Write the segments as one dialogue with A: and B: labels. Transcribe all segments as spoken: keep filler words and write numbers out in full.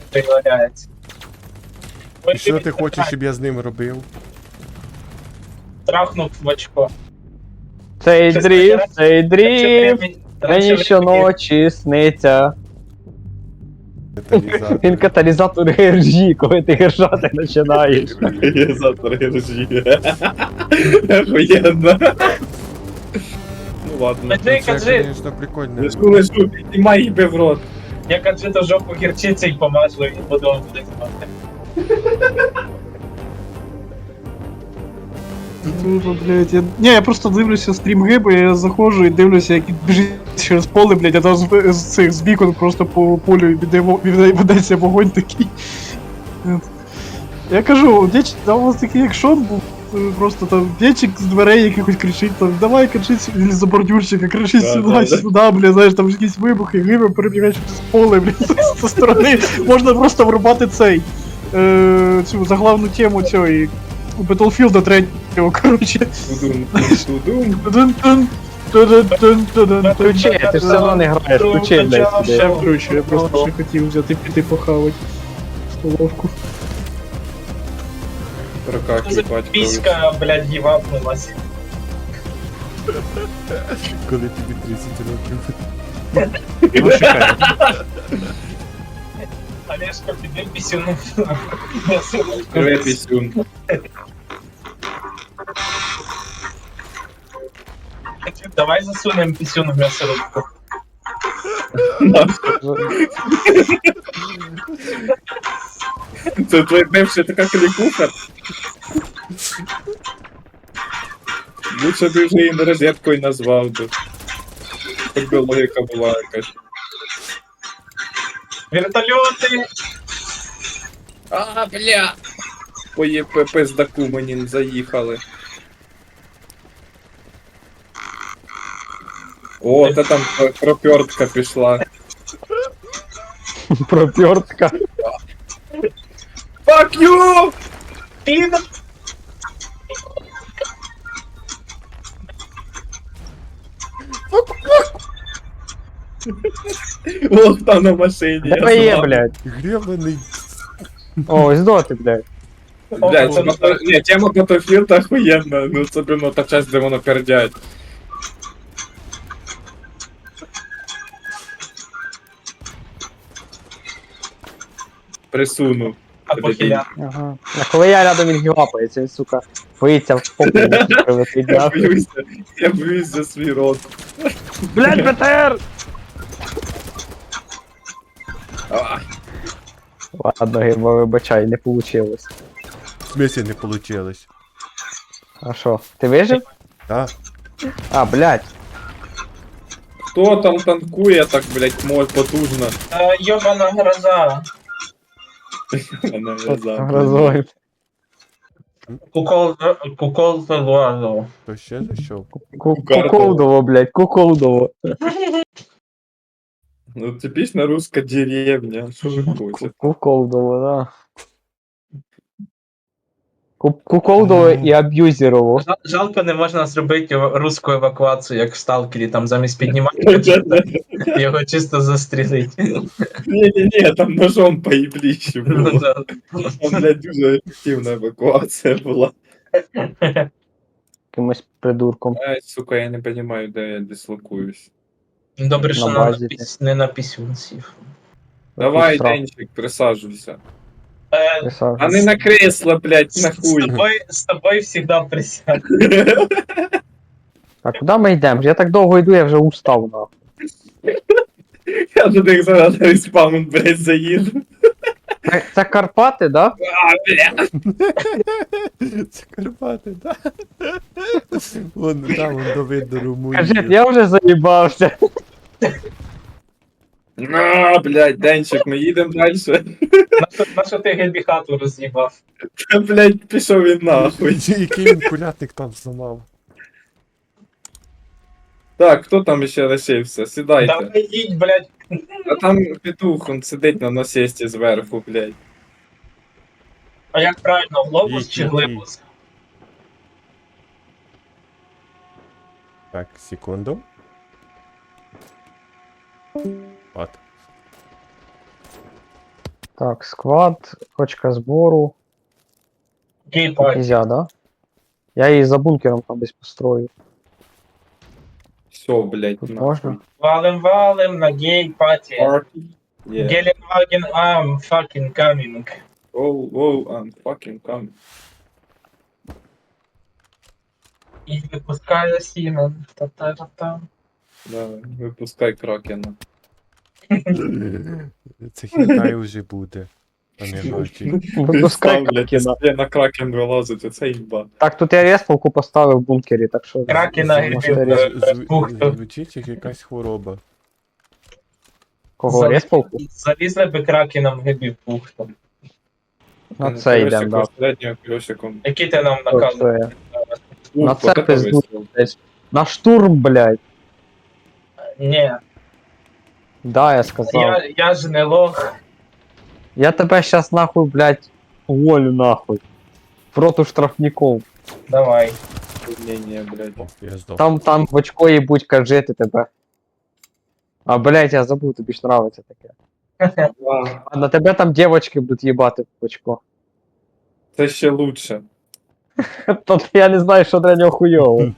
A: пригладається.
B: І що ти хочеш, щоб я з ним робив?
A: Трахнув в очко.
C: Цей
A: Щас
C: дріфт,
A: раніше-
C: цей
A: раніше
C: дріфт,
A: времени- раніше
C: мені
A: времени-
C: щоночі сниться.
B: Каталізатор.
C: Він каталізатор гержі, коли ти гержати починаєш.
D: Катализатор ржи. Охуенно. Ну ладно.
A: Кажи,
B: Це,
A: кажи.
B: звісно, прикольно.
D: Лежу, лежу, піднімай їбе в рот.
A: Я кажу, жопу гірчиці і помажу, і буду вам буде знати.
E: Дуже, блядь, я... Ні, я просто дивлюся стрім Гиби, я заходжу і дивлюся, як він біжить через поле, блядь, а там з, з цих з вікон просто по полю віде- віде- ведеться вогонь такий. От. Я кажу, дєч, там у вас такий як Шон був, е, просто там дєчик з дверей якихось кричить, там, давай кричить, він за бордюрчика, кричить
D: Да,
E: сюди,
D: да, да.
E: сюди, блядь, знаєш, там якісь вибухи, Гиби перебігають через поле, блядь, з зі сторони, можна просто врубати цей, е, цю заглавну тему цієї, Battlefield третього, коротше.
D: Тудум, тудум.
E: Тудун-тун, тудун-тун-тудун.
C: Включи, ти ж все одно не граєш, включи, блядь,
E: Ще
C: сюди.
E: вкручу, я просто ще хотів взяти піти похавати столовку.
D: Прокакуй, батько.
A: Піська, блядь, гівапнулась.
B: Коли тобі тридцять років.
E: Ну, чекай.
A: Олежка, піди пісюну.
D: Привет, пісюн.
A: Давай засунем пісюн в м'ясорубку.
D: Це твоя бивша така клікуха. Лучше б вже її не розеткою назвав би. Так би логіка була якась.
A: Вертольоти!
D: А, бля! По ЄП пиздаку мені заїхали. О, та там пропертка пішла.
C: Пропертка.
D: Fuck you!
A: Пін!
D: Ох, там на машині.
C: Де є, блядь?
B: Гребаний.
C: О, ось доти, блядь.
D: Блядь, це бато... Ні, тема Battlefield охуєнна, ну особливо та часть, де воно пердять. Присуну.
A: А похиля.
C: Ага. А коли я рядом він гілапається, він, сука, боїться в попу прилетить,
D: Я
C: нахуй.
D: боюся, я боюсь за свій рот.
C: Блядь, БТР!
D: А,
C: Ладно, Герба, вибачай, не получилось.
B: В смысле не получилось.
C: А що, ти вижив?
B: Да?
C: А, блядь.
D: хто там танкує так, блядь, мой потужно?
A: Е, Йобана гроза.
D: Вона в'язала.
C: Грозой.
A: Кукол... Кукол залазу.
B: То ще зайшов?
C: Куколдово, блядь, куколдово.
D: Ну, типічна руська деревня. Що ви хочете?
C: Куколдово, да. Ку- Куколдово і аб'юзерово.
A: Жал- Жалко, не можна зробити русську евакуацію, як в Сталкері, там замість піднімати його чисто застрілить.
D: Ні-ні-ні, там ножом поїбліще
A: Ну,
D: було.
A: да.
D: Там, блядь, дуже ефективна евакуація була.
C: Якимось придурком.
D: Ай, сука, я не розумію, де я дислокуюсь.
A: Добре, що
C: На
A: на
C: базі
A: піс- не на пісюн сів.
D: Давай,
C: Срав.
D: Денчик, присаджуйся.
A: Е,
C: Писав.
D: А не на кресло, блядь,
A: З
D: нахуй.
A: тобою, з тобою завжди присяг.
C: А куди ми йдемо? Я так довго йду, я вже устав, нахуй.
D: Я до них зараз респаун, блядь, заїду.
C: Це, це Карпати, да?
D: А, бля.
B: Це Карпати, да? Вон там, вон до видно Румунію.
C: Кажи, я вже заїбався.
D: На, блядь, Денчик, ми їдемо далі.
A: На що ти гельбі хату роз'їбав?
D: Та, блядь, пішов він нахуй.
B: Який він кулятник там зламав.
D: Так, хто там ще лишився? Сідайте.
A: Давай їдь, блядь.
D: А там петух, он сидить на насесті зверху, блядь.
A: А як правильно, глобус
B: Їдь,
A: чи
B: їдь,
A: глибус?
B: Так, секунду. От.
C: Так, сквад, точка збору.
A: Гей-паті.
C: Нельзя, да? Я її за бункером там десь построю.
D: Все, блядь,
C: Тут
D: нахуй.
C: можна?
A: Валим, валим на гей-паті.
D: Party. Yeah.
A: Геленваген ам, fucking coming.
D: Oh, oh, I'm fucking coming.
A: І випускає сіно. Та-та-та-та.
D: Да, випускай кракена.
B: Це хітай вже буде. А не гачі.
C: Випускай
D: Блядь,
C: кракена.
D: я на кракен вилазить, оце їба.
C: Так, тут я респалку поставив в бункері, так що...
A: Кракена
C: можете
A: грибів.
C: рез-
A: Е,
B: Зв-
A: пухто.
B: Звучить як якась хвороба.
C: Кого,
A: За-
C: респалку?
A: Залізли би кракеном гибів пухтом.
C: На це йдемо, да.
D: Середнього кльосиком.
A: Який ти нам
C: От
A: наказ?
C: це. На
D: Ух,
C: це
D: вот это
C: пизду.
D: вистріл.
C: На штурм, блядь.
A: Ні,
C: Да, я сказав. Я,
A: я, я ж не лох.
C: тебе щас нахуй, блядь, уволю нахуй. В роту штрафников.
A: Давай.
D: Ні, ні, блядь.
B: О, я здох.
C: Там, там в очко їбуть кажити тебе. А, блядь, я забув, тобі ж нравиться таке.
D: А,
C: А на тебе там дівочки будуть їбати в очко.
D: Це ще лучше.
C: Тут я не знаю, що для нього хуйово.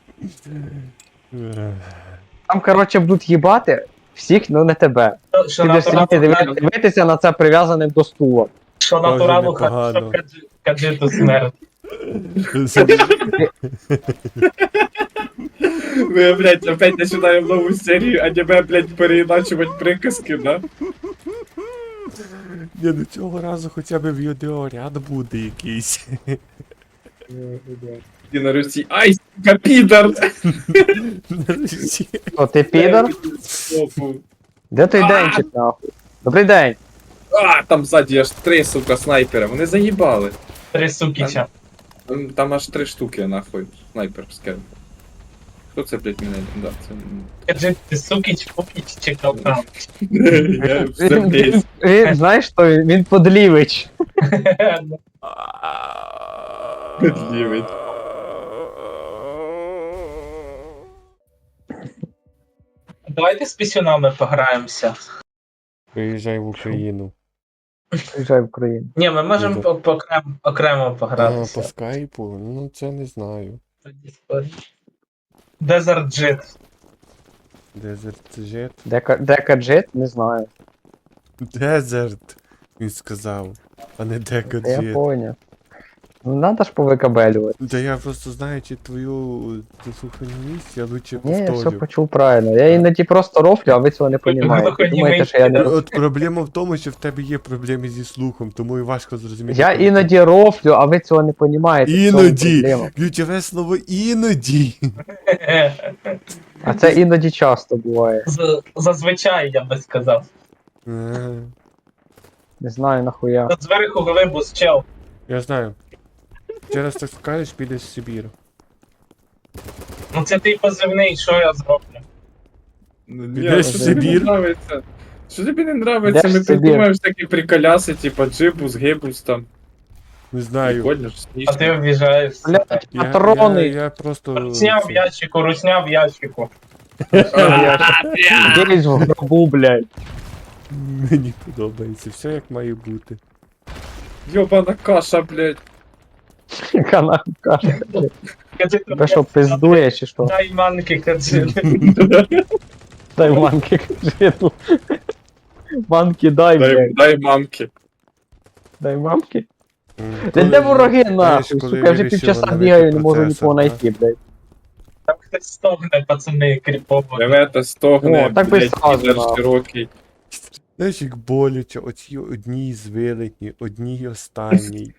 B: Ех.
C: Там, коротше, будуть їбати всіх, ну не тебе.
A: Що- Що
C: Ти будеш сидіти
A: натуралу,
C: диви- дивитися на це прив'язаним до стула.
A: що
B: Дуже
A: натуралу
B: непогано.
A: хорошо каджи- каджиту смерть.
D: Ми, блядь, опять починаємо нову серію, аніме, блядь, переіначувати приказки, да?
B: Ні, ну цього разу хоча б відеоряд буде якийсь.
D: І на Русі, ай, сука, підар!
B: Нарешті.
C: О, ти підор?
D: Опу.
C: Де той денчик, нахуй? Добрий день.
D: А, там ззаді аж три, сука, снайпера, вони заїбали.
A: Три сукіча.
D: Там, там аж три штуки, нахуй, снайперське. Хто це, блядь, мене? Да, це...
A: Каджит, ти сукіч, пукіч чи калкан?
D: Я все
C: Він,
D: блядь.
C: він, він, знаєш що, він, він подлівич.
D: Підлівить.
A: Давайте з пісюнами пограємося.
B: Приїжджай в Україну.
C: Приїжджай в Україну.
A: Ні, ми можемо
B: Добре.
A: по- по- окрем- окремо
B: А, по
A: погратися.
B: скайпу? Ну це не знаю.
A: Desert Jet.
B: Desert Jet.
C: Дека, декаджет? Не знаю.
B: Desert, він сказав, а не Дека
C: Я
B: Jet.
C: поняв. Ну надо ж повикабелювати.
B: Да я просто знаючи твою слуханість, я лучше
C: Ні, я все
B: повторю.
C: почув правильно. Я іноді просто рофлю, а ви цього не розумієте.
A: Глухонімий
C: Думаєте, що я не
B: Е,
C: роз-
B: От проблема в тому, що в тебе є проблеми зі слухом, тому і важко зрозуміти.
C: Я
B: коли
C: іноді рофлю, а ви цього не розумієте.
B: Іноді! Ключове слово іноді!
C: А це іноді часто буває.
A: З- Зазвичай, я би сказав.
B: Е,
C: Не знаю нахуя.
A: Тут зверху глибус, чел.
B: Я знаю. Ще раз так скажеш, підеш в Сибір.
A: Ну це ти позивний, що я зроблю?
D: Ні,
B: Підеш
D: що
B: в
D: тобі не
B: Сибір?
D: нравиться? Що тобі не нравиться?
C: Йдеш
D: Ми
C: в Сибір.
D: придумаємо такі приколяси, типа джибус, гибус там.
B: Не знаю.
D: Прикольно ж,
A: А
D: смішно.
A: ти обіжаєш.
C: Блядь,
B: Я, я,
C: патрони.
B: я просто...
A: Русня в
B: це,
A: ящику, русня в ящику.
C: Ділись в гробу, блядь.
B: Мені подобається, все як має бути.
D: Йобана каша, блядь.
C: Яка нахуй каша.
A: Кажи,
C: Тебе що, пиздує чи що?
A: дай манки, кажи.
C: Дай манки, кажи тут. Манки дай,
D: Дай,
C: блядь.
D: дай мамки.
C: Дай мамки.
B: М,
C: Де
B: коли-
C: де вороги
B: знаєш,
C: нахуй?
B: коли
C: Сука, я вже
B: вирішила
C: півчаса
B: навити
C: бігаю, не можу
B: процесор,
C: нікого
B: да?
C: знайти, блядь.
A: Там хтось стогне, пацани, кріпово.
D: Ревета стогне,
C: О, так би
D: блядь,
C: сразу,
D: підер
C: нахуй.
D: широкий.
B: Знаєш, як боляче, оці одній з вилетні, одній останній.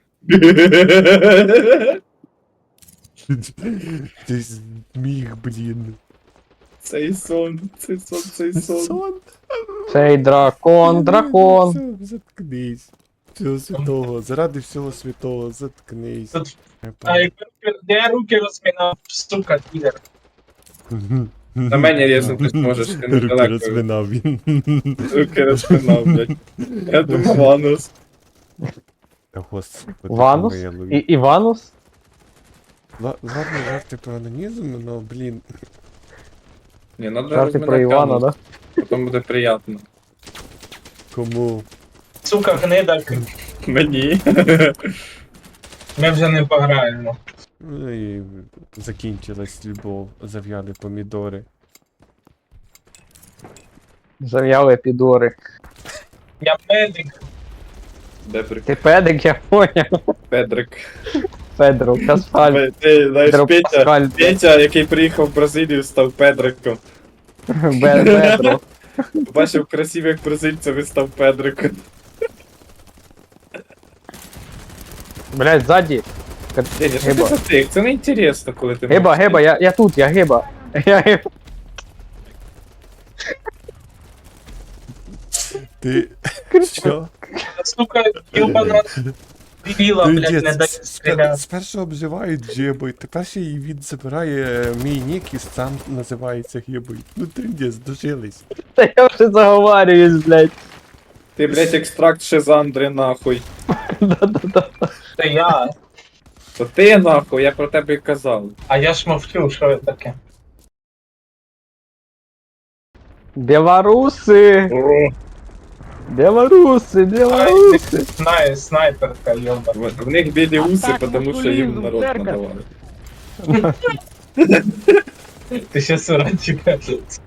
B: Ти зміг, блін.
D: Цей сон, цей сон, цей сон.
B: Сон.
C: Цей дракон, дракон.
B: Все, заткнись. Всього святого, заради всього святого, заткнись.
A: Тут- А якби руки- де я руки розмінав, сука, підер.
D: На мене різнути зможеш, ти
B: Руки
D: недалеко.
B: розминав він.
D: Руки розпинав, блядь. Я думав, Ванус.
B: Та господи,
C: Ванус?
B: помилуй.
C: І Іванус?
B: Ла- Ладно, жарти про анонізм, но, блін.
D: Не, надо
C: Жарти про
D: розминати
C: Івана,
D: анус,
C: да?
D: потім буде приємно.
B: Кому?
A: Сука, гнида,
D: Мені.
A: ми вже не пограємо.
B: Ну і закінчилась любов, зав'яли помідори.
C: Зав'яли підори.
A: Я медик.
D: Дебрик.
C: Ти педик, я поняв.
D: Педрик.
C: Педро, Каспаль,
D: Ти, ти знаєш,
C: Педро
D: Петя,
C: Паскаль,
D: Петя, який приїхав в Бразилію, став Педриком.
C: Бе- Педро.
D: Бачив красивих бразильців і став Педриком.
C: Блять, ззаді.
D: Ні, ні, що ти
C: Гиба.
D: за тих? Це не інтересно, коли ти
C: Гиба,
D: можеш-
C: гиба, я, я тут, я гиба. Я гиба.
B: Ти. Що?
A: Сука, юбана дебіла,
B: Ти,
A: блядь,
B: ні,
A: не
B: з-
A: дає
B: з-
A: стріляти.
B: Спершу обзивають гибою, тепер ще і він забирає е, мій нік і сам називається гибою. Ну трендець, дожились.
C: Та я вже заговарююсь, блять.
D: Ти, блядь, екстракт Шизандри, нахуй.
C: Да-да-да.
A: Це я.
D: То ти, нахуй, я про тебе й казав.
A: А я ж мовчу, що таке.
C: Білоруси! Білоруси,
A: Ай,
C: білоруси!
A: ти знає, снайперка, йоба.
D: В, в них білі уси,
C: так,
D: тому що їм
C: мусулізм,
D: народ
C: церква.
D: надавали.
A: Ти ще суранчика.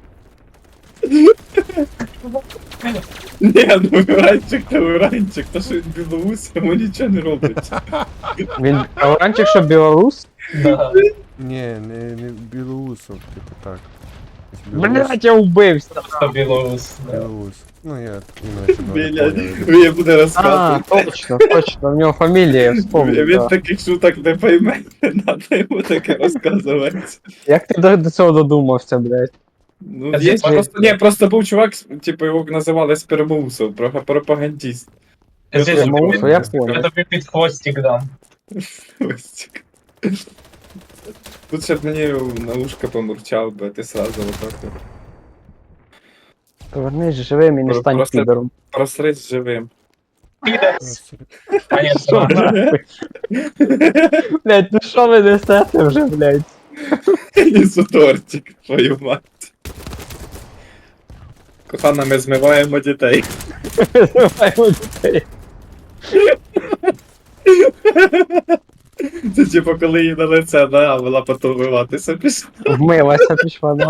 D: Ні, ну уранчик та уранчик, то що він білоус, йому нічого не робить.
C: Він оранчик, що білорус?
A: Да.
B: Ні, не, не білоусов, типу так. Білоус,
C: Блять, я вбився.
A: Просто білорус. да.
B: білоус. Ну я іначе не
D: Блядь,
B: поняв.
D: він буде
C: А,
D: розказувати.
C: точно, точно, в нього фамілія, я вспомнив.
D: Він
C: Да.
D: таких шуток не пойме, не треба йому таке розказувати.
C: Як ти до, до цього додумався, блять?
D: Ну,
A: А
D: є,
A: це-
D: просто, ні, просто був чувак, типу його називали Спермоусов, про- пропагандист.
A: Я
D: Я
A: тобі-
C: Спермоусов, я
A: я
C: понял.
A: тобі під хвостик дам.
D: Ось. Тут ще б мені на ушко помурчав би, а ти сразу отак. от.
C: Повернись живим і не
D: Про-
C: стань
D: просто-
C: підером.
D: Просрись живим.
A: Підес. А ні,
C: Що
A: що?
C: нахуй? Блять, ну що ви несете вже, блять?
D: Несу тортик, твою мать. Кохана, ми змиваємо дітей.
C: Зриваємо дітей.
D: Це типу, коли їй на лице, да, а вона потім вмиватися пішла.
C: Вмилася пішла, да.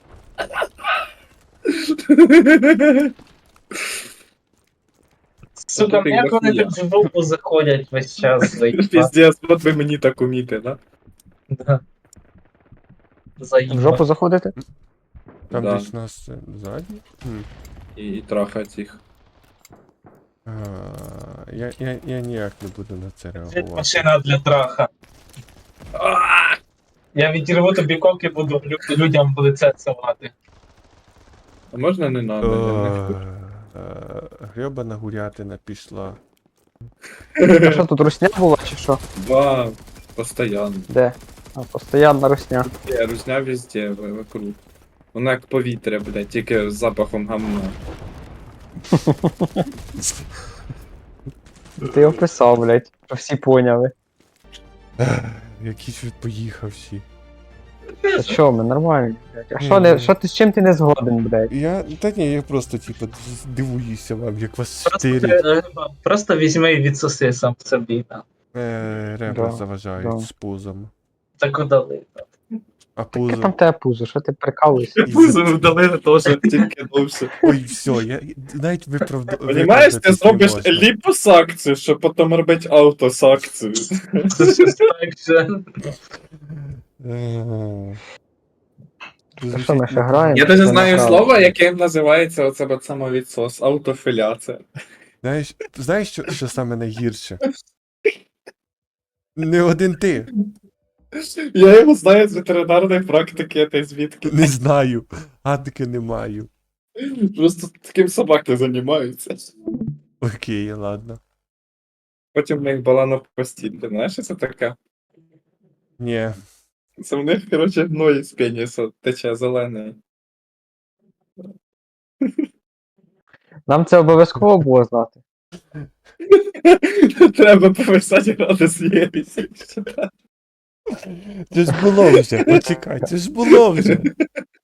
A: Сука,
D: Ти
A: як вони
D: я.
A: так в жопу заходять весь час, заїба.
D: Піздець, от би мені так уміти, да?
A: Да.
C: В
A: Заїба.
C: жопу заходити?
B: Там
D: Да.
B: десь нас е, ззаді? Хм.
D: І, і трахать їх.
B: А, я, я, я ніяк не буду на це
A: Це
B: реагувати.
A: машина для траха. Я відірву тобі коки, буду лю- людям в лице цілувати.
D: А можна не надо? Я не хочу.
B: Е, Грьобана гурятина пішла.
C: А що тут русня була чи що?
D: Да, постоянно.
C: Де? А, постоянна русня.
D: Я русня везде, в- вокруг. Вона як повітря, блядь, тільки з запахом гамна.
C: Ти описав, блять. Що всі поняли.
B: Якийсь від поїхавші.
C: Та що, ми нормально, блять. А
B: Ні,
C: що не,
B: ні.
C: що ти з чим ти не згоден, блять?
B: Я. Та ні, я просто типу дивуюся вам, як вас
A: Просто,
B: чотири
A: е, просто візьми і відсоси сам собі. да.
B: е, ребра
C: Да,
B: заважають
C: да.
B: з пузом.
A: Так удали.
B: А
C: Яке
B: пузо.
C: там тебе пузо, що ти прикалуєшся?
D: Пузо вдалили теж тільки довше.
B: Ой, все, я навіть виправдав.
D: Понімаєш, ти зробиш ліпосакцію, щоб потім робити аутосакцію.
A: Це щось так же.
C: Та що ми ще граємо?
D: Я навіть
C: Це
D: знаю
C: неправда.
D: слово, яке називається оце от самовідсос, аутофіляція.
B: Знаєш, знаєш, що, що саме найгірше? Не один ти.
D: Я його знаю з ветеринарної практики, та й звідки.
B: Не знаю. Гадки не маю.
D: Просто таким собаки займаються.
B: Окей, ладно.
D: Потім в них баланок постіль. Ти знаєш, що це таке?
B: Ні.
D: Це в них, коротше, гной з пеніса тече зелений.
C: Нам це обов'язково було знати.
D: Треба повисати градус єрісі.
B: Це ж було вже. Почекай, це ж було вже.